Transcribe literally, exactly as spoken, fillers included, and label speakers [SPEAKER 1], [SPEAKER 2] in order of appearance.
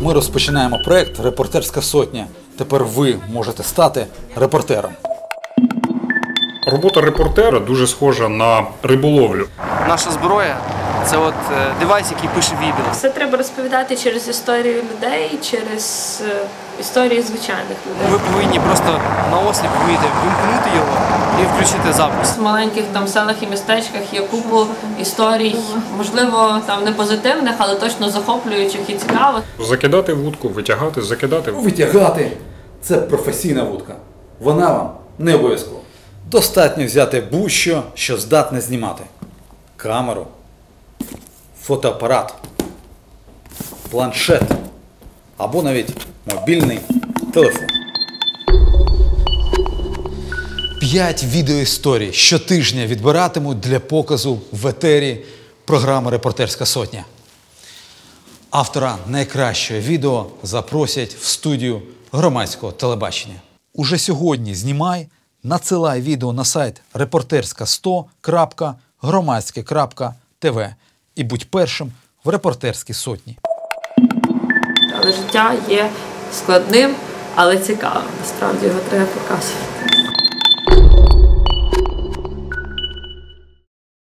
[SPEAKER 1] Ми розпочинаємо проєкт «Репортерська сотня». Тепер ви можете стати репортером.
[SPEAKER 2] Робота репортера дуже схожа на риболовлю.
[SPEAKER 3] Наша зброя – це от девайс, який пише відео.
[SPEAKER 4] Все треба розповідати через історію людей, через історії звичайних людей.
[SPEAKER 3] Ви повинні просто наосліп вміти вимкнути його і включити запис.
[SPEAKER 4] В маленьких там селах і містечках є купу історій, можливо, там не позитивних, але точно захоплюючих і цікавих.
[SPEAKER 2] Закидати вудку, витягати, закидати.
[SPEAKER 1] Витягати – це професійна вудка. Вона вам не обов'язково. Достатньо взяти будь-що, що здатне знімати. Камеру, фотоапарат, планшет або навіть мобільний телефон. П'ять відеоісторій щотижня відбиратимуть для показу в етері програми «Репортерська сотня». Автора найкращого відео запросять в студію громадського телебачення. Уже сьогодні знімай, надсилай відео на сайт репортерська сто крапка громадське крапка тв і будь першим в «Репортерській сотні».
[SPEAKER 4] Але життя є складним, але цікавим. Насправді його треба показувати.